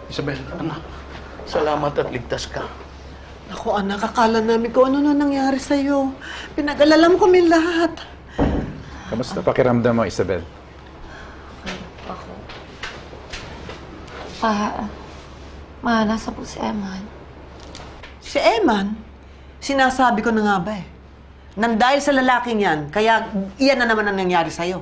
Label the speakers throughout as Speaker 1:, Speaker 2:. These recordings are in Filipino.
Speaker 1: Isabel, anak. Salamat at ligtas ka.
Speaker 2: Naku anak, akala namin kung ano na nangyari sa'yo. Pinag-alala mo kami lahat.
Speaker 3: Kamusta pakiramdam mo, Isabel?
Speaker 4: Ako. Nasa po si Eman.
Speaker 2: Si Eman, sinasabi ko na nga ba eh. Nang dahil sa lalaking yan, kaya iyan na naman ang nangyari sa'yo.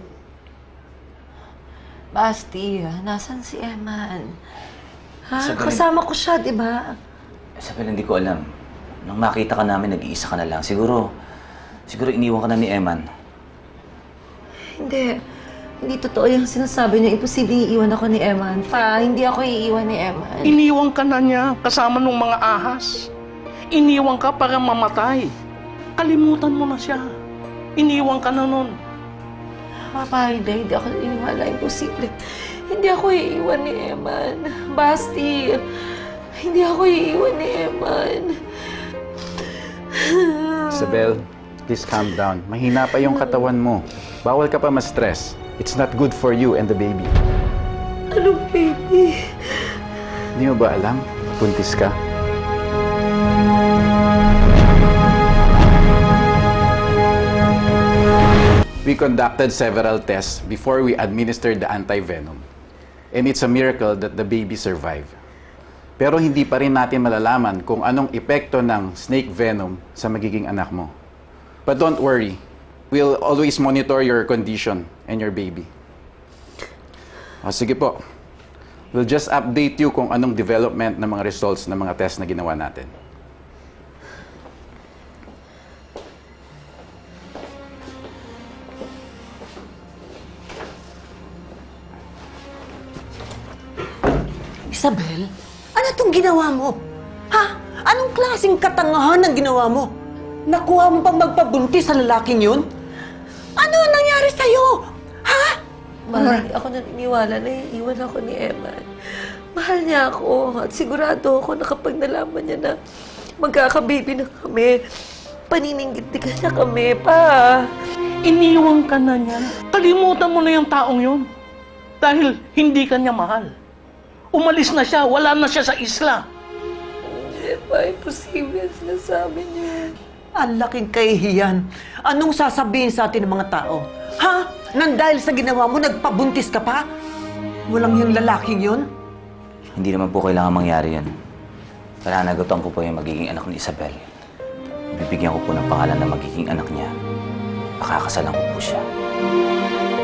Speaker 4: Basti, nasan si Eman? Ha?
Speaker 5: Isabel,
Speaker 4: Kasama ko siya, di ba?
Speaker 5: Isabel, hindi ko alam. Nung makita ka namin, nag-iisa ka na lang. Siguro iniwan ka na ni Eman.
Speaker 4: Hindi totoo yung sinasabi niya. Imposible iiwan ako ni Eman. Hindi ako iiwan ni Eman.
Speaker 1: Iniwan ka na niya kasama ng mga ahas. Iniwan ka para mamatay. Kalimutan mo na siya. Iniwan ka na nun.
Speaker 4: Papa, hindi ako iniwala. Imposible. Hindi ako iiwan ni Eman. Basti, hindi ako iiwan ni Eman.
Speaker 3: Isabel, please calm down. Mahina pa yung katawan mo. Bawal ka pa ma-stress. It's not good for you and the baby.
Speaker 4: Anong baby?
Speaker 3: Hindi mo ba alam? Buntis ka? We conducted several tests before we administered the anti-venom. And it's a miracle that the baby survived. Pero hindi pa rin natin malalaman kung anong epekto ng snake venom sa magiging anak mo. But don't worry. We'll always monitor your condition and your baby. Sige po. We'll just update you kung anong development ng mga results ng mga test na ginawa natin.
Speaker 2: Isabel, ano itong ginawa mo? Ha? Anong klaseng katangahan ang ginawa mo? Nakuha mo pang magpabuntis sa lalaking yun? Ano ang nangyari sa'yo? Ha?
Speaker 4: Mahal, hindi ako naniniwala na iiwan ako ni Eman. Mahal niya ako at sigurado ako na kapag nalaman niya na magkakababy na kami, panininggit-tigan niya kami pa.
Speaker 1: Iniwan ka na niya. Kalimutan mo na yung taong yun. Dahil hindi ka niya mahal. Umalis na siya. Wala na siya sa isla.
Speaker 4: Hindi pa, imposible ang sinasabi niya.
Speaker 2: Ang laking kahihiyan. Anong sasabihin sa atin ng mga tao? Ha? Nang dahil sa ginawa mo, nagpabuntis ka pa? Walang yung lalaking yun?
Speaker 5: Hindi naman po kailangan mangyari yan. Pananagutan ko po yung magiging anak ni Isabel. Bibigyan ko po ng pangalan na magiging anak niya. Pakakasalan ko po siya.